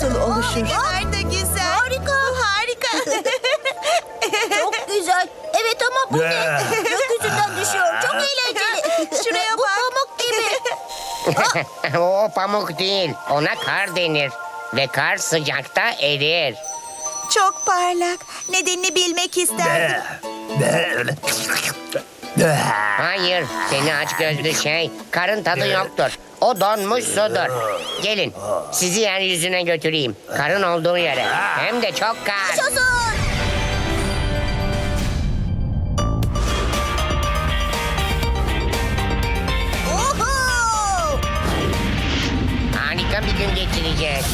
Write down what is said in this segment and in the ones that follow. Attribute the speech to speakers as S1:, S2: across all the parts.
S1: nasıl oluşur?
S2: Nerede güzel.
S3: Harika.
S2: Bu harika.
S3: Çok güzel. Evet ama bu ne? Gökyüzünden düşüyor. Çok eğlenceli.
S2: Şuraya
S3: bu
S2: bak.
S3: pamuk gibi.
S4: O pamuk değil. Ona kar denir. Ve kar sıcakta erir.
S2: Çok parlak. Nedenini bilmek isterdim.
S4: Hayır, seni aç gözlü şey. Karın tadı yoktur. O donmuş sudur. Gelin, sizi yeryüzüne götüreyim. Karın olduğu yere. Hem de çok kar.
S3: Yaşasın. Oho!
S4: Harika bir gün geçireceğiz.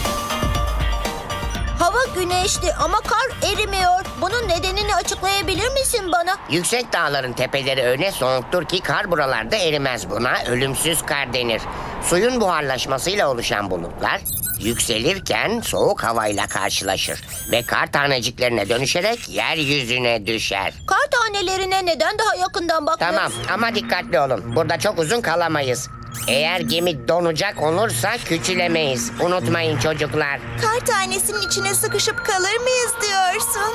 S3: Hava güneşli ama kar erimiyor. Bunun nedenini açıklayabilir misin bana?
S4: Yüksek dağların tepeleri öyle soğuktur ki kar buralarda erimez. Buna ölümsüz kar denir. Suyun buharlaşmasıyla oluşan bulutlar yükselirken soğuk havayla karşılaşır ve kar taneciklerine dönüşerek yeryüzüne düşer.
S3: Kar tanelerine neden daha yakından bakmıyoruz?
S4: Tamam ama dikkatli olun. Burada çok uzun kalamayız. Eğer gemi donacak olursa küçülemeyiz. Unutmayın çocuklar.
S2: Kar tanesinin içine sıkışıp kalır mıyız diyorsun?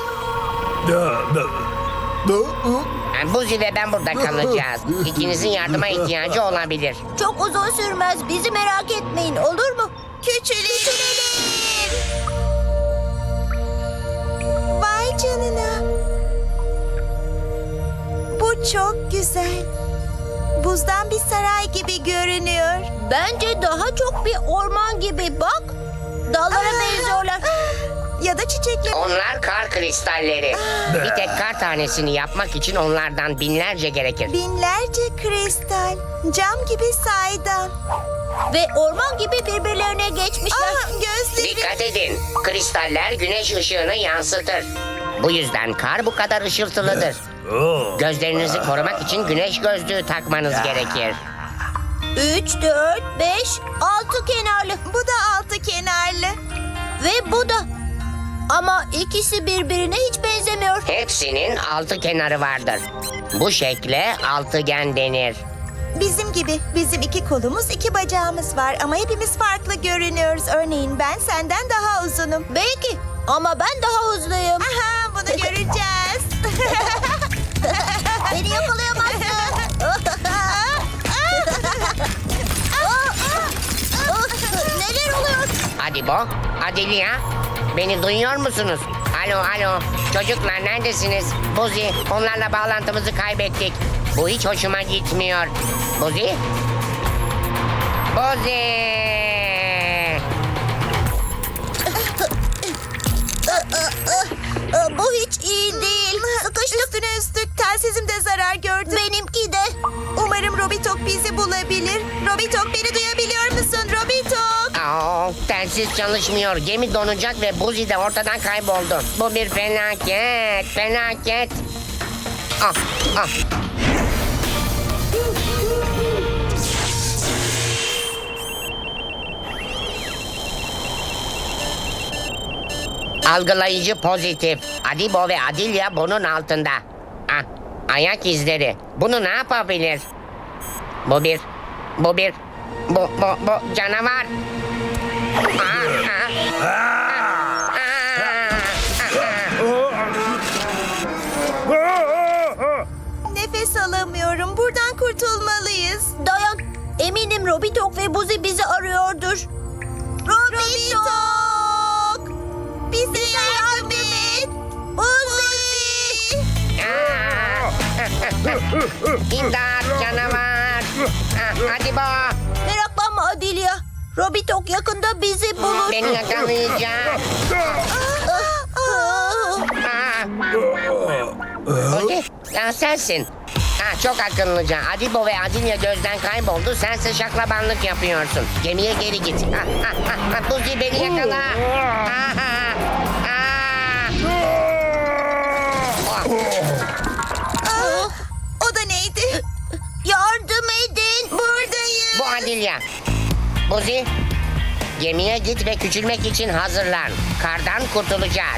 S4: Buzi ve ben burada kalacağız. İkinizin yardıma ihtiyacı olabilir.
S3: Çok uzun sürmez. Bizi merak etmeyin, olur mu?
S2: Küçülelim. Vay canına. Bu çok güzel. Buzdan bir saray gibi görünüyor.
S3: Bence daha çok bir orman gibi. Bak, dallara benziyorlar.
S2: Ya da çiçekler.
S4: Onlar kar kristalleri. Bir tek kar tanesini yapmak için onlardan binlerce gerekir.
S2: Binlerce kristal. Cam gibi saydam.
S3: Ve orman gibi birbirlerine geçmişler.
S2: Gözlerim.
S4: Dikkat edin. Kristaller güneş ışığını yansıtır. Bu yüzden kar bu kadar ışıltılıdır. Gözlerinizi korumak için güneş gözlüğü takmanız gerekir.
S3: 3, 4, 5, 6 kenarlı.
S2: Bu da altı kenarlı.
S3: Ve bu da. Ama ikisi birbirine hiç benzemiyor.
S4: Hepsinin altı kenarı vardır. Bu şekle altıgen denir.
S2: Bizim gibi. Bizim iki kolumuz, iki bacağımız var ama hepimiz farklı görünüyoruz. Örneğin ben senden daha uzunum.
S3: Belki ama ben daha hızlıyım.
S2: Aha, bunu göreceğiz.
S3: Beni yakalayamazsın. Neler oluyor?
S4: Hadi Bo, hadi Lia. Beni duyuyor musunuz? Alo, alo. Çocuklar neredesiniz? Buzi, onlarla bağlantımızı kaybettik. Bu hiç hoşuma gitmiyor. Buzi? Buzi!
S3: Bu hiç iyi değil. Sıkıştık.
S2: Üstüne üstlük telsizim de zarar gördü.
S3: Benimki de.
S2: Umarım Robitok bizi bulabilir. Robitok, beni duyabiliyor musun? Robitok!
S4: Telsiz çalışmıyor. Gemi donacak ve Buzi de ortadan kayboldu. Bu bir felaket, felaket. Ah, ah. Algılayıcı pozitif. Adibo ve Adilya bunun altında. Ah, ayak izleri. Bunu ne yapabilir? Bu canavar.
S2: Nefes alamıyorum. Buradan kurtulmalıyız.
S3: Dayan. Eminim Robitok ve Buzi bizi arıyordur.
S2: Robitok! Bize yardım et. Buzi!
S4: İmdat canavar. Adibo.
S3: Meraklanma Adilya. Robitok yakında bizi bulur.
S4: Beni yakalayacak. Buzi, sensin. Çok akıllıca. Adibo ve Adilya gözden kayboldu. Sense şaklabanlık yapıyorsun. Gemiye geri git. Buzi beni yakala.
S2: O da neydi?
S3: Yardım edin.
S2: Buradayım.
S4: Bu Adilya. Buzi, gemiye git ve küçülmek için hazırlan. Kardan kurtulacağız.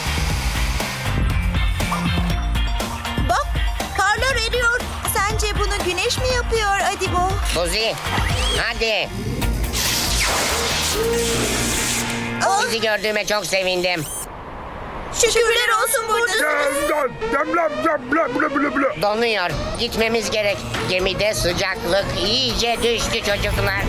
S3: Bak, karlar eriyor.
S2: Sence bunu güneş mi yapıyor Adibo?
S4: Buzi, hadi.
S3: Aa!
S4: Sizi gördüğüme çok sevindim.
S3: Şükürler olsun buradasın.
S4: Donuyor. Gitmemiz gerek. Gemide sıcaklık iyice düştü çocuklar.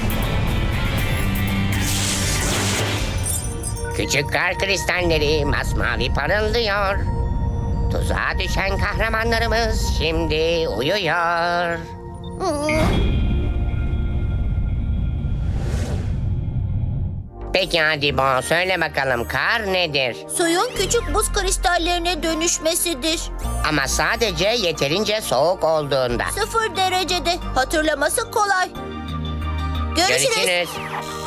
S4: Küçük kar kristalleri masmavi parıldıyor. Tuzağa düşen kahramanlarımız şimdi uyuyor. Peki hadi Bo, söyle bakalım kar nedir?
S3: Suyun küçük buz kristallerine dönüşmesidir.
S4: Ama sadece yeterince soğuk olduğunda.
S3: 0 derecede. Hatırlaması kolay. Görüşürüz.
S4: Görüşürüz.